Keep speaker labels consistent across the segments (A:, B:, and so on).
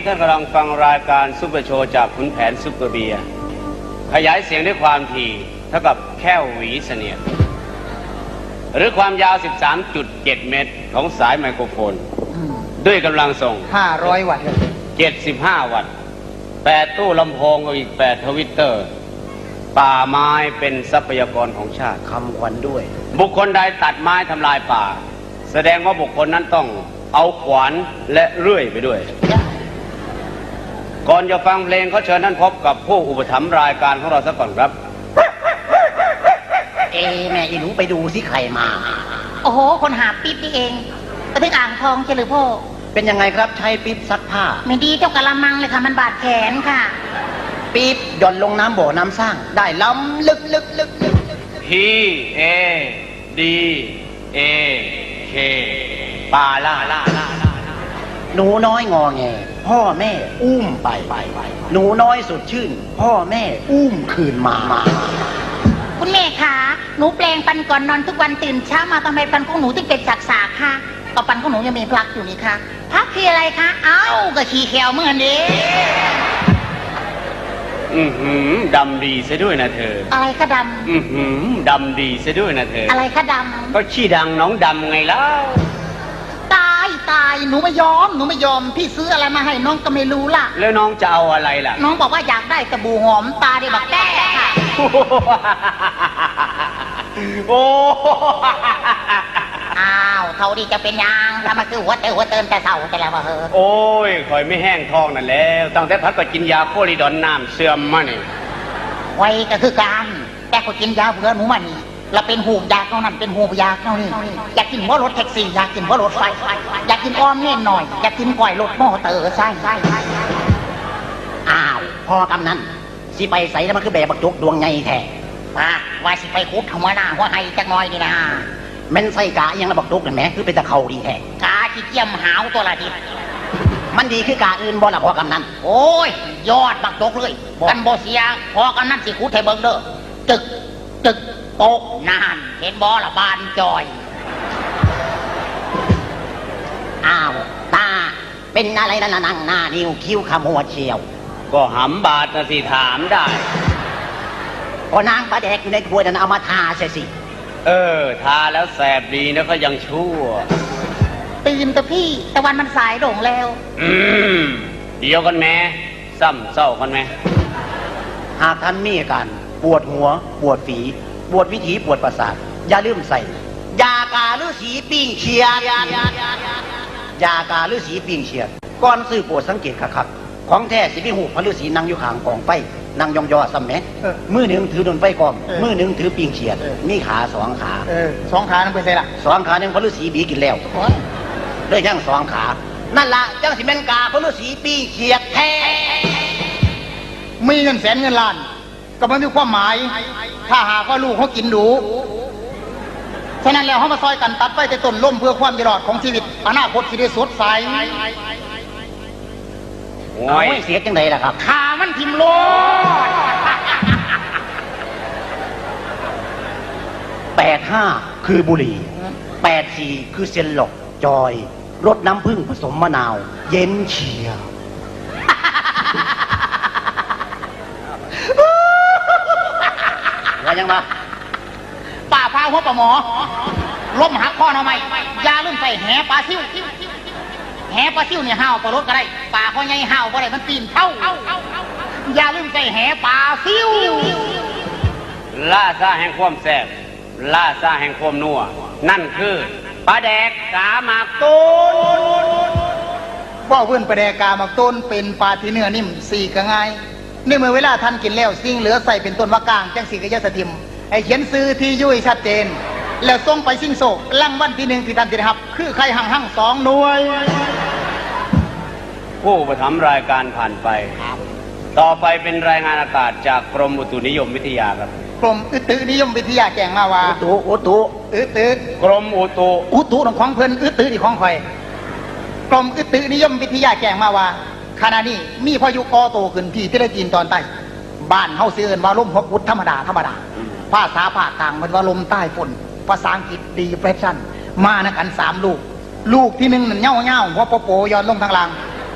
A: ท่านกำลังฟังรายการซุปเปอร์โชว์จากขุนแผนซุปเปอร์เบียร์ขยายเสียงด้วยความถี่เท่ากับแค่หวีเสนียดหรือความยาว 13.7 เมตรของสายไมโครโฟนด้วยกำลังส่ง
B: 500 วัตต์
A: 75 วัตต์8ตู้ลำโพงกับอีก8ทวิตเตอร์ป่าไม้เป็นทรัพยากรของชาติ
B: คำขวัญด้วย
A: บุคคลใดตัดไม้ทำลายป่าแสดงว่าบุคคลนั้นต้องเอาขวานและเลื่อยไปด้วยก่อนจะฟังเพลงเขาเชิญท่านพบกับผู้อุปถัมภ์รายการของเราสักก่อนครับ
B: แม่อีหนูไปดูสิใครมา
C: โอ้โหคนหาปิ๊บนี่เองไปถึงอ่างทองเฉลิมพ่อ
B: เป็นยังไงครับใช้ปิ๊บซักผ้า
C: ไม่ดีเจ้ากะละมังเลยค่ะมันบาดแขนค่ะ
B: ปิ๊บหย่อนลงน้ำบ่อน้ำสร้างได้ล้ำลึก
A: PADAK ปาล่า
B: หนูน้อยงอแงพ่อแม่อุ้มไปหนูน้อยสดชื่นพ่อแม่อุ้มคืนมา
C: คุณแม่คะหนูแปลงฟันก่อนนอนทุกวันตื่นเช้ามาทำไมฟันของหนูถึงเป็นสากๆคะก็ฟันของหนูยังมีพลักอยู่นี่คะพลักคืออะไรคะเอ้าก็ขี้แควเหมือนนี้
A: ดำดีซะด้วยนะเธอ
C: อะไรคะด
A: ำดำดีซะด้วยนะเธอ
C: อะไรคะดำ
A: ก็ขี้ดังน้องดำไงแล้ว
C: ตายหนูไม่ยอมพี่ซื้ออะไรมาให้น้องก็ไม่รู้ล่ะ
A: แล้วน้องจะเอาอะไรล่ะ
C: น้องบอกว่าอยากได้สบู่หอมตาได้บักแต้ค่ะ
A: โอ้
C: อ้าวเท่าดีจะเป็นยังถ้ามาคือหัวเติมแต่เศร้าแต่แล้วว่า
A: โอ้ยคอยไม่แห้งท้องนั่นแล้วตั้งแต่พัดก็กินยาโคลิดอนน้ำเสื่อมมานี่
C: ไว้ก็คือการแต่ก็กินยาเบื่อหนูมานี่เราเป็นหูยาเท่านั้นเป็นหูยาเท่านี้อยากกินว่ารถแท็กซี่อยากกินว่ารถไฟอยากกินอ้อมเน่นหน่อยอยากกินก่อยรถมอเตอร์ใช่
B: อ้าวพอกำนั้นสิไปใส่แล้วมันคือแบบบักจกดวงไงแท้
C: ว่าสิไปคุบทำไมนะว่าให้จักน้อยนี่นะ
B: แม่นใส่กะยังระบักจกนั่นแหมคือเป็นตะเขาดีแท้
C: กาที่เจียมหาวตัวละที
B: มันดีคือกาอื่นบ่ละพอกำนั้น
C: โอ้ยยอดบักจกเลยกันบ่เสียพอกำนั้นสิคุดไทยเบิงเด้อจึกโป๊กนานเห็นบอละบานจอย
B: อ้าวตาเป็นอะไรนั่นนั่งหน้านิ้วคิ้วขมวดเชียว
A: ก็หำบาดนะสิถามได้
B: ก็นางปลาแดกอยู่ในถ้วยนั้นเอามาทาใช่สิ
A: ทาแล้วแสบดีนะก็ยังชั่ว
C: ตื่นแต่พี่แต่วันมันสายโด่งแล้ว
A: เดียวกันแม่ซ้ำเศร้ากันแม่
B: หากท่านมีอาการปวดหัวปวดฝีปวดวิถีปวดประสาทอย่าลืมใส่ยากาฤาษีปิ้งเชียดยากาฤาษีปิ้งเชียดก่อนซื้อโปรดสังเกตคักของแท้สิมีหูพระฤาษีนั่งอยู่ข้างกองไฟนั่งยองๆซ้ำแม่มือหนึ่งถือดนไฟกองมือหนึ่งถือปิ้งเชียดมีขา2 ขา
C: 2 ขานั่นเป็นไงล่ะ
B: 2 ขาหนึ่งพระฤาษีบีกินแล้วด้วยยัง2 ขานั่นละจังสิเป็นกาพระฤาษีปิ้งเชียดแท้
C: มีเงินแสนเงินล้านก็ไม่มีความหมายถ้าหากว่าลูกเขากินดูฉะนั้นแล้วเขามาซอยกันตัดไฟแต่ต้นล่มเพื่อความอยู่รอดของชีวิตอนาคตสิได้สดใส
B: โอ้ยเสียจังไดล่ะครับ
C: ขามันทิ่มโลด
B: 85คือบุหรี่84คือเซนหลอกจอยรสน้ำผึ้งผสมมะนาวเย็นเฉียบว่ายังมา
C: ป่าพาหัวปลาหมอล้มหักข้อเอาไหมยาลืมใส่แหปลาซิ่วแหปลาซิ่วเนี่ยห่าวปลารถก็ได้ป่าข้อใหญ่ห่าวก็ได้มันปีนเท่ายาลืมใส่แหปลาซิ่ว
A: ล่าซาแห่งความแซ่บล่าซาแห่งความนัวนั่นคือปลาแดกกาหมากต้น
C: ว่าเพื่อนปลาแดกกาหมากต้นเป็นปลาที่เนื้อนิ่มสี่ก็ง่ายในเมื่อเวลาท่านกินแล้วสิ่งเหลือใส่เป็นต้นมะกางจังสีกระยะสถิมไอเขียนซื้อที่ยุ่ยชัดเจนแล้วส่งไปสิ่งโศกลังวันที่1ที่ท่านจะได้รับคือใครหั่ง2 หน่วย
A: ผู้ประทับรายการผ่านไปต่อไปเป็นรายงานอากาศจากกรมอุตุนิยมวิทยาครับ
C: กรมอุตุนิยมวิทยาแจ้งมาว่า
B: อุตุ
A: กรมอุ
C: ตุของเพิ่นอุตุที่ของข่อยกรมอุตุนิยมวิทยาแจ้งมาว่าขณะนี้มีพายุก่อตัวขึ้นที่ประเทศจีนตอนใต้บ้านเฮาซื้อว่าลมฮกวุฒธรรมดาภาษาภาคกลางมันว่าลมใต้ฝนภาษาอังกฤษดีเพรสชั่นมานะกัน3 ลูกที่1นั่นเง่าหัวโปย้อนลงทางล่าง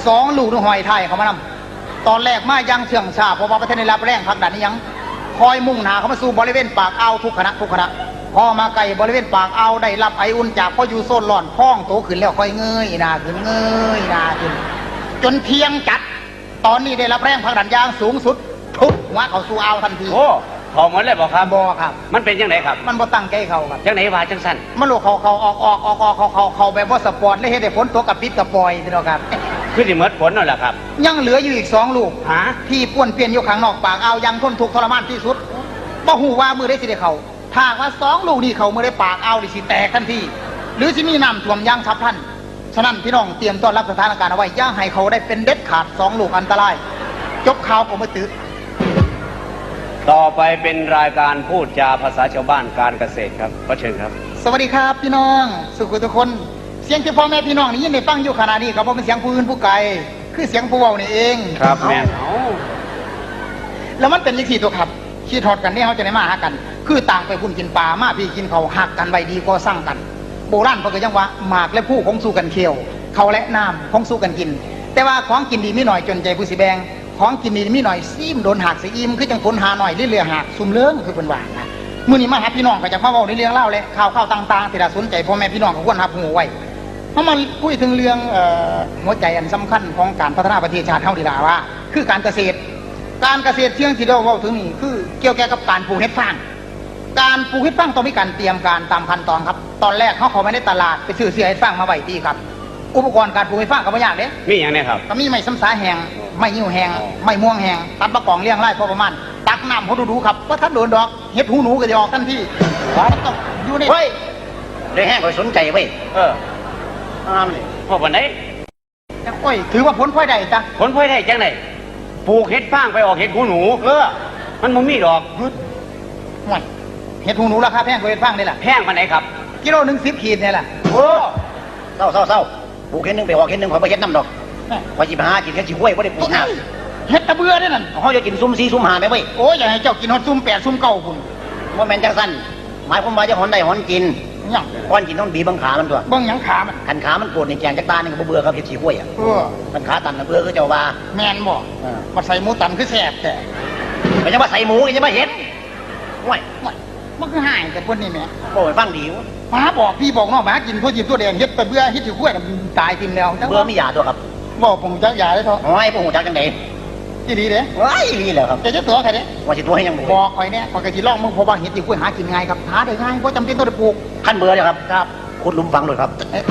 C: 2 ลูกนึงหอยไทยเขามานำตอนแรกมายังเสื่องชาเพราะว่าประเทศได้รับแรงผลักดันนี่ยังคอยมุ่งหน้าเข้ามาสู่บริเวณปากอ่าวทุกคณะพอมาไกลบริเวณปากอ่าวได้รับไออุ่นจากพออยู่โซนร้อนพ้องโตขึ้นแล้วค่อยเงยหน้าขึ้นเงยหน้าขึ้นจนเที่ยงจัดตอนนี้ได้รับแรงผลักดันอย่างสูงสุดทุบหัวเขาสู่อ่าวทันที
A: โอ้พอหมดเลยบอกครับ
C: บ่ครับ
A: มันเป็นยังไงครับ
C: มันบ่ตั้งใจเขาครับ
A: จังไหนว่าจังสั้น
C: มันลูกเขาออกเขาแบบว่าสปอร์ตเลยให้ได้ฝนตกกับปิดกับปล่อยพี่น้องครับ
A: คือสิเมิดผลนั่นแหละครับ
C: ยังเหลืออยู่อีก2 ลูก
A: ฮะ
C: ที่ป้วนเปลี่ยนอยู่ข้างนอกปากเอาวยังทนทุกข์ทรมานที่สุดบ่ฮู้ว่ามือได้สิได้เขาถ้าหากว่า2 ลูกนี่เขามือได้ปากเอาวนี่สิแตกทันทีหรือสิมีน้ำท่วมอย่างฉับพลันฉะนั้นพี่น้องเตรียมต้อนรับสถานการณ์เอาไว้อย่าให้เขาได้เป็นเด็ดขาด2 ลูกอันตรายจบข่าวผมมาตื้อ
A: ต่อไปเป็นรายการพูดจาภาษาชาวบ้านการเกษตรครับขอเชิญครับ
C: สวัสดีครับพี่น้องสุขุทุกคนเสียงที่พ่อแม่พี่น้องนี่ยินได้ฟังอยู่ขณะนี้ครับเพราะเป็นเสียงผู้อื่นผู้ไกลคือเสียงผู้เว้านี่เอง
A: ครับแม่น
C: แล้วมันเป็นยังสี่ตัวครับขี้ทอดกันเนี่ยเขาจะได้มาหากัน คือต่างไปพุ่นกินปลามาพี่กินเขาหักกันไว้ดีก็สร้างกัน โบราณเขาก็ยังว่าหมากและผู้คงสู้กันเคี้ยวเขาและน้ำคงสู้กันกิน แต่ว่าของกินดีไม่หน่อยจนใจผู้สิแบงของกินดีไม่หน่อยซีมโดนหักสีอิ่มคือจังผลหาหน่อยเรื่อยๆหักซุ่มเลื้องคือเป็นว่านะมื้อนี้มาหาพี่น้องก็จะมาเว้าในเรื่องเล่าและข่าวต่างๆที่น่าสนใจพ่อแม่พี่น้องก็ควรรับหูไว้เพราะมันคุยถึงเรื่องหัวใจอันสำคัญของการพัฒนาประเทศชาติเฮาดีล่ะว่า คือการเกษตรเชื่องที่เราเว้าถึงนี่คือเกี่ยวกับการปลูกเห็ดฟางการปลูกเห็ดฟางต้องมีการเตรียมการตามขั้นตอนครับตอนแรกเขาเข้าไปในตลาดไปซื้อเสื้อเห็ดฟางมาไว้ดีครับอุปกรณ์การปลูกเห็ดฟางก็ไม่ยากเด้
A: มีอย่างนี้ครับ
C: ก็มีไม้ซ้ำสาแห้งไม้ยิ้วแห้งไม้ม่วงแห้งตัดมะกองเลี้ยงไร่พอประมาณตักน้ำเขาดูๆครับว่าถ้าโดนดอกเห็ดหูหนูก็จะออกทันทีต้องอยู่ใน
B: เฮ้ยได้แห้งคอยสนใจเว้ย
A: เออ
B: นี่
A: พ่อปันไหน
C: โอ้ยถือว่าผลพลอยได้จ้ะ
A: ผลพลอยได้จังไหนปลูกเห็ดฟางไปออกเห็ดหูหนูมันบ่มีดอก
C: ห่วยเห็ดหูหนูราคาแพงกว่าเห็ดฟางนี่แหละ
A: แพงปันไหนครับ
C: กิโลหนึ่ง10 ขีดเนี่ยแหละ
A: โอ้
B: เศร้าปลูกเห็ดหนึงไปออกเห็ดหนึงขอยไปเห็ดน้ำดอกขอยสิไปหากินแค่สิห้วยบ่ได้ปลูกน้
C: เห็ดตะเบือเนี่ยนั่น
B: ำเขาจะกินซุ่ม4ซุ่ม5ไหมเว้ย
C: โอ้ยอย่าให้เจ้ากินฮอดซุ่ม8ซุ่ม9พุ่น
B: ว่าแม่นจังสั้นหมายความว่าจะหอนได้หอนกิน
C: หยัง
B: ก้อนกินต้องบีบังขามันตัว
C: เบิ่งหยังขามัน
B: ขันขามันปวดในแกงจักตานี่ก็บ่เบื่อครับเห็ดสิห้วยอ่ะ
C: เออ
B: ขันขาตันน่ะเบื่อคือเจ้าว่า
C: แม่นบ่มาใส่หมูตันคือแซ่บแต่
B: ไม่ใช่ว่าใส่หมูไม่ใช่ว่าเห็ดห้วย
C: ห่วยมันคือหายแต่พวกนี้แหม่
B: โอ้ยฟังดีวะ
C: หมาบอกพี่บอกน้องหมากินพวกจิบตัวแดงเฮ็ดไปเบื่อเฮ็ดอยู่ขั้วน่ะมันตายทิมแล้วจัง
B: เบื่อไม่หยาตัวครับ
C: บอกผมจักยาได้เถอะ
B: โอ้ยพวกหูจักจังได
C: ที่ดีเด้
B: ว้ายนี่แหละครับ
C: จะตัวใครเด้
B: ว่าสิตัวให้ยัง
C: บอกข่อยเนี่ยข่อยก็สิลองมึงเพราะว่าเฮ็ดอยู่ขั้วหากินง่ายครับหาได้ง่ายบ่จำเป็นต้องได้ปลูก
B: ขั้นเบื่อเลยครับครับขุดหลุมฝังเลยครับ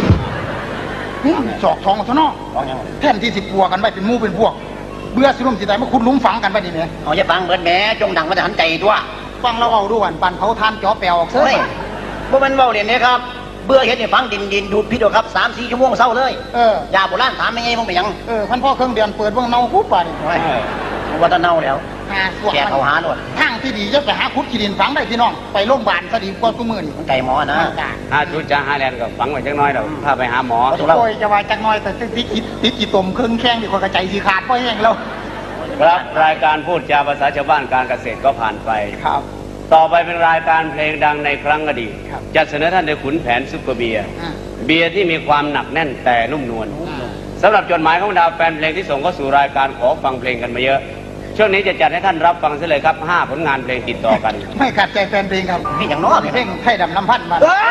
C: จอกทองซะเนาะ
B: ฝังยัง
C: แทนที่สิปัวกันไว้เป็นหมู่เป็นพวก เบื่อสิลุ่มสิตายมาขุดหลุมฝังกันไว้นี่แหม
B: เอาอย่าฟังเบิดแหมจงดังมาแต่หันใจตัว
C: ฟังเราเอาดูวันปันเผาทานจ่อแปลวออกเซ้
B: เฮ้ย
C: ย
B: บ่แมันเว้าเล่นเด้ครับเบื่อเฮ็ดให้ฟังดินดูดพิษเอาครับ3-4 ชั่วโมงเศร้าเลย ยาโบราณถามยังไงมึงไปยัง
C: พันพ่อเครื่องเดือนเปิดเบิ่งเนาคุดป่านี่
B: โอ้ยว่าแตะเน่าแล้ว
C: หาสว
B: แกเขาหาโลด
C: ทางที่ดีจะไปหาขุดขี้ดินฝังได้พี่น้องไปโรงพยาบาลซะดีกว่าทุกมื้อนี่
B: มันไก่หมอนะ
A: หาชุดจ้าหาแลนก็ฝังไว้จังน้อยเดี๋ยวพาไปหาหมอ
C: โอ้ยจะว่าจักหน่อยแต่ติดกี่ตุ่มเครื่องแข้งดีกว่ากระใจสีขาดเพราะแห้งแล้ว
A: ครับรายการพูดจาภาษาชาวบ้านการเกษตรก็ผ่านไป
C: ครับ
A: ต่อไปเป็นรายการเพลงดังในครั้งอดีต
C: ครับ
A: จะเสนอท่านโดยขุนแผนซุปเปอร์เบียร์
C: อ่า
A: เบียร์ที่มีความหนักแน่นแต่นุ่มนวลสำหรับจดหมายของดาวแฟนเพลงที่ส่งเข้าสู่รายการขอฟังเพลงกันมาเยอะ ช่วงนี้จะจัดให้ท่านรับฟังเสียเลยครับ5ผลงานเพลงติดต่อกัน
C: ไม่ขัดใจแฟนเพลงครับ
B: นี่อย่างน้อย
C: เพลงไทยดำน้ำพันธุ์มา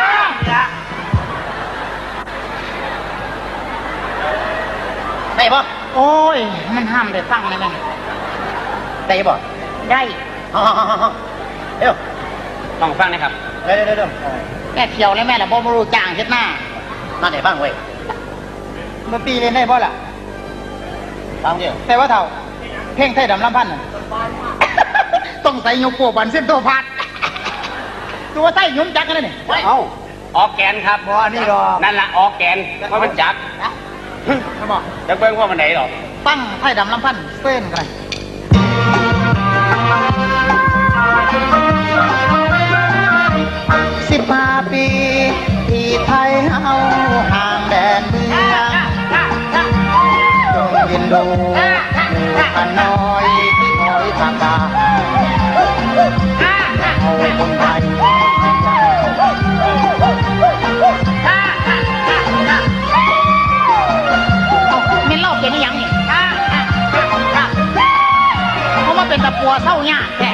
B: ได้ปะ
C: โอ้ยมันห้ามได้ฟังเลยนะ
B: ได้ปะ
C: ได้
B: เดี๋ยว
A: ต้องฟังนะครับ
B: เดี๋ยว
C: แม่เที่ยวเลยแม่ละบ่มารู้จ้างเฮ็ดหน้า
B: มาไหนบ้างเว้ย
C: ดนตรีเล่นได้บ่ล่ะ
B: ฟังเดียว
C: แต่ว่าเท่าเพลงไทยดำน้ำพันธุ์น่ะ ต้องใส่ยกโปบันเส้นโตพัดตัวไทยยุ่มจักกันเลยนี่
A: เอ้าออกแกนครับ
C: บ่อันนี้หรอก
A: นั่นละออกแกนเพราะมันจับ
C: เขาบอก
A: จะเบิ่งว่ามันไหนหรอก
C: ตั้งไทยดำน้ำพันธุ์เส้นกันเลย15 ปีที่ไทยเฮาห่างแดนเมืองจงเรียนดูอยู่กันน้อยที่คอยทางการเอาคนไทยเมนเล่าเป็นยังปัวเศร้ายากแท้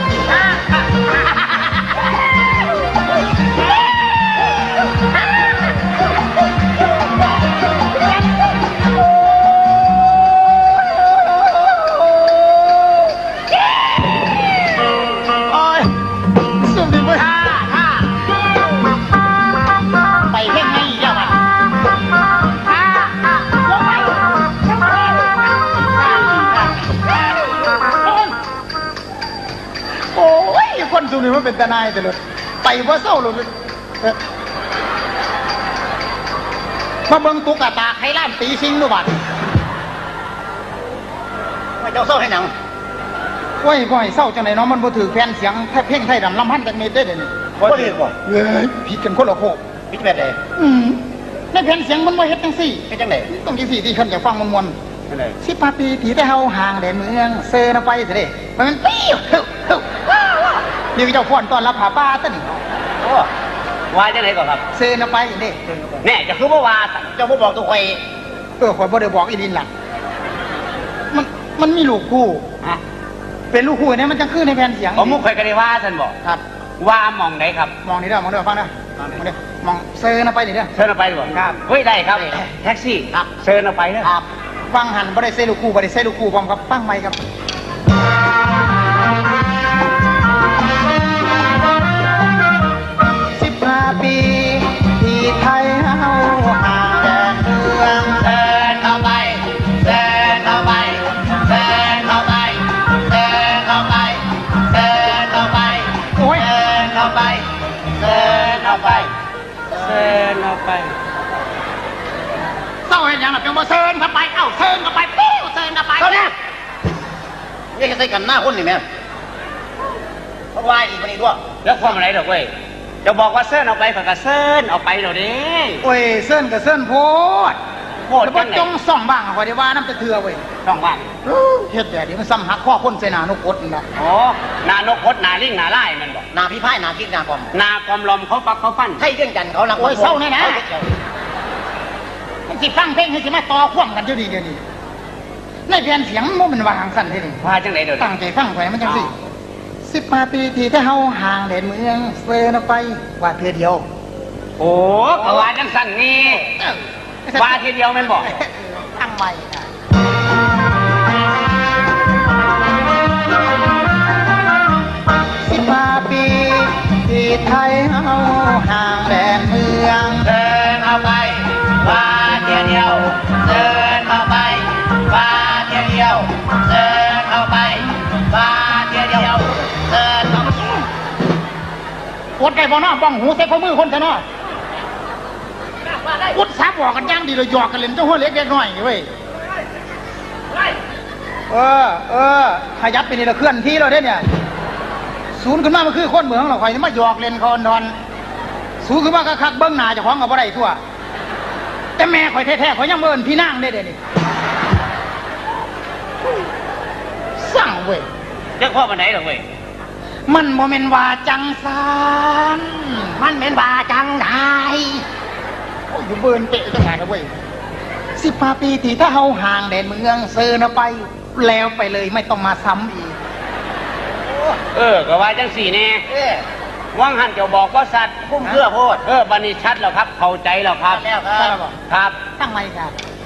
C: ไปเพ่งไม่เจ้ามันโอ้ยคนสุนี่มันเป็นตาหนายแต่เลยไปว่าเศร้าเลยมาเบิ่งตุ๊กตาไข่ล้านตีซิงดูบัดไม่เจ้าเศร้าให้หนังโอ้ยบ่อยเศร้าจังไหนเนาะมันบ่ถือแฟนเสียงแทบเพ่งไทยดำลำพันจากเมตรได้เดี๋ยวนี้บ่ถือบ่เอ้ยผิดกันคนละโคกผิดแบบใดในแผ่นเสียงมันบ่เฮ็ดจังซี่เฮ็ดจังไดต้องจังซี่ที่คนอยากฟังมวนๆ18 ปีที่ได้เฮาห่างแดนเมืองเซนไปซะเด้มันปิ้วนี่เจ้าฟ้อนต้อนรับผาป้าซะนี่
A: โอ้ว่าจังไหนก่อนครับ
C: เซนไปเด้
A: แน่จะคือบ่ว่าเจ้าบ่บอกตัวข่อย
C: ข่อยบ่ได้บอกอีดินล่ะมันมีลูกคู่
A: ฮะ
C: เป็นลูกคู่เนี่ยมันจังคือในแผ่นเสียง
A: ผมมุกข่อยก็ได้ว่าท่านบอก
C: ครับ
A: ว่ามองไหนครับ
C: มองนี่เด้อมองเด้อฟังเด้อมองเด้อมองเซนไปนี่เด้อ
A: เชิญเอาไปดีกว่า
C: ครับ
A: เฮ้ยได้ครับ
C: ได้
A: แท็กซี่
C: ครับ
A: เชิญเอาไปเนอะ
C: ครับฟังหันบ่ได้เซลูกคู่บ่ได้เซลูกคู่พร้อมกับฟังใหม่ครับ15 ปีที่ไทยเฮาห่างแดนเมือง
A: เชิญเอาไปเชิญเอาไปเชิญเอาไปเชิญเอาไปเชิญเอาไป
C: โอ้ย
A: เชิญเอาไปเชิญเอาไปเชิญเอาไป
C: เศร้าเห็นยังล่ะเป็นบ่เซินเข้าไปเอ้าเซินเข้าไปปิ้วเซินเข้าไป
B: เท่านี้นี่จะใส่กันหน้าคนนี่แม่เพราะว่าอีกคนนี้ด้วย
A: แล้วความอะไรดอกเว้ยจะบอกว่าเชิญเอาไปผักกะเชิญเอาไปเดี๋ยวนี้
C: โอ้ยเซินกับเซินโพด
A: โคตร
C: แล้วบ่
A: จังไหน
C: จงส่องบ้างขอยได้ว่าน้ำจะเถื่อเว้ย
A: ต้องว่าง
C: เฮ็ดแบบนี้มันซ้ำหักข้อคนใส่หน้านกกดนี่ล่ะ
A: โอ้นานกพดนาลิงนาไล่มันบอก
B: นาพี่พ่ายนาคิดนาความ
A: นากอมลมเขาปักเขาฟัน
B: ให้เรื่องจันทร์เขาหลัง
C: โอ้ยเศร้าแน่นะมันสิฟังเพลงให้สิมาต่อความกันอยู่ดีเดี๋ยวนี้ในแผ่นเสียงมันเป็นว่าหางสั่นเด้นี่
A: ว่าจังไหนเดี๋ยวนี้
C: ตั้งใจฟังไว้มันจังสิ15 ปีที่ถ้าเฮาห่างแดนเมืองเซินออกไปว่าเทื่อเดียว
A: โอ้กว่าจังสั่นนี่ว่าทีเดียวแมันบอก
C: ตั้งใหม่ค่ะ15 ปีที่ไทยเฮาห่างแดนเมือง
A: เดินเอาไปว่าทีเดียวเดินเอาไปว่าทีเดียวเดินเอาไปว่าทีเดียวเดินเอา
C: อดไก่บ่เนาะบ้องหูใส่ข้อมือคนซะเนาะอุดสาบอกกันย่างดีเลยหยอกกันเล่นเจ้าหัวเล็กเล็กน้อยนี่เว้ยขยับไปนี่ละเคลื่อนที่เราได้เนี่ยศูนย์ขึ้นมามันคือคนเมืองเราคอยมาหยอกเล่นคอนดอนศูนย์ขึ้นมาคักๆเบิ้งหน้าเจ้าของกับบ่ได้ทั่วแต่แม่ข่อยแท้ๆข่อยยังเมินพี่นางได้เด้นี่สั่งเว้ย
A: เจ้าพ่อมันไหนหรอเว้ย
C: มันโมเมนว่าจังสานมันเป็นว่าจังไดโอ้ยอยู่เบิร์นเตะจังไงนะเว้ย15 ปีที่ถ้าเฮาห่างแดนเมืองเซินออกไปแล้วไปเลยไม่ต้องมาซ้ำอีก
A: ก็ว่าจังสี่แน่
B: เอ๊ะ
A: ว่างหันเจ้าบอกว่าสัตว์
B: พุ่มเพื่อโพด
A: บันนี้ชัดแล้วครับ เข้าใจแล้วครับ
B: แล้วค
C: ใช่
B: รับ
C: ป่ะ
A: ครับ
C: ตั้งไว้ครับ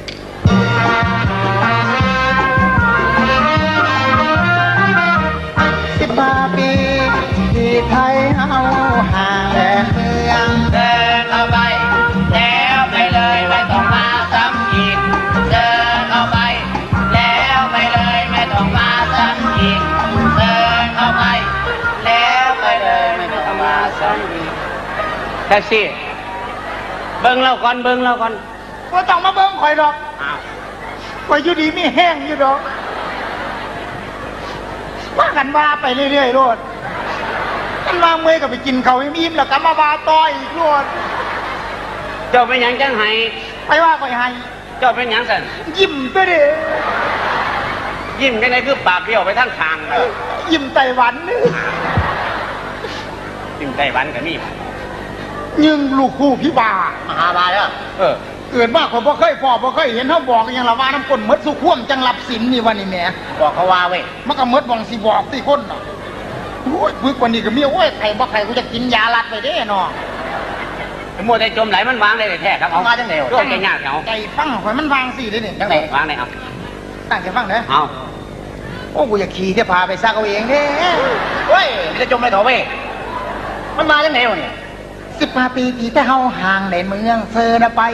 C: 15 ปีที่ไทยเฮาห่างแดนเมือง
A: เดินเอาไปแล้วไปเลยไม่ต้องมาซ้ำอีกเดินเอาไปแล้วไปเลยไม่ต้องมาซ้ำอีกเดินเอาไปแล้วไปเลยไม่ต้องมาซ้ำอีกแท็กซี่เบิ้งเราก่อนเบิ้งเราก่อน
C: ก็ต้องมาเบิ่งข่อยดอก
A: อ้าว
C: ข่อยอยู่ดีไม่แห้งอยู่ดอกว่ากันว่าไปเรื่อยๆโลดกันว่าเมื่อยก็ไปกินเขาวให้อิ่มแล้วก็มาว่าต่ออีกโลด
A: เจ้าเป็นหยังจังไห้
C: ไปว่าข่อยให้
A: เจ้าเป็นหยังสัน
C: ยิ้มตัวเด้
A: ยิ้มจังไงคือปากเบี้ยวไปทั้งทางเลย
C: ยิ้มไต้หวันนี่
A: ยิ้มไต้หวันกับนี่
C: ยิงลูกคู่พี่บาม
B: หาบาแล้ว
A: เออ
C: เกิดว่าผมบ่เคยพ่อบ่เคยเห็นเขาบอกอยังละว่าน้ำก้นมดสุข่วมจังรับสินนี่วันนี้แหม่
B: บอกเขาว่าเว้ย
C: มันก็มดบองสิบอกที่คนน่ะโอ้ยพึกกว่านี้ก็มีโอ้ยไข่บ่ไข่กูจะกินยาลัดไปเด้เนาะ
A: มัวแต่จมไหลมันวางได้แท้ครับ
B: เอามาจังไหนวะ
A: ร่วมใจยากเอา
C: ใจฟังข่อยมันวางสิเด้นี่
B: จังไหน
A: วางได้เอา
C: ตั้งใจฟังเด้อ
A: เอา
C: โอ้กูอยากขี่เที่ยวพาไปซักเอาเองเด้
B: เว้ยมันจะจมไปเถอะเว้ยมันมาจังไหนวะเนี่ย
C: 15 ปีที่แต่เฮาห่างในเมืองเซอร์นะไป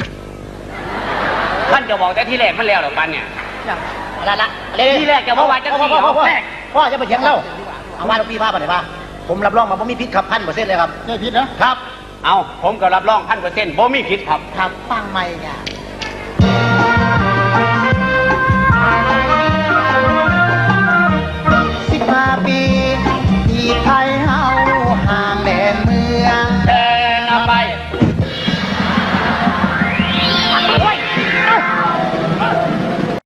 A: ท่านจะบอกแต่ที่แรกมันแล้วหรอปันเนี่ย
B: ละ
A: ที่แรกจะว่าว่าจังสี่
B: พ่อจะไปเถียงเราเอาว่าลูกพี่พาไปไหนพาผมรับรองมาผมมีพิษขับ1,000%เลยครับ
C: ไม่ผิดนะครับ
A: เอาผมก็รับรอง1,000%บ่มีผิดครับ
C: ครับฟังไม่เนี่ย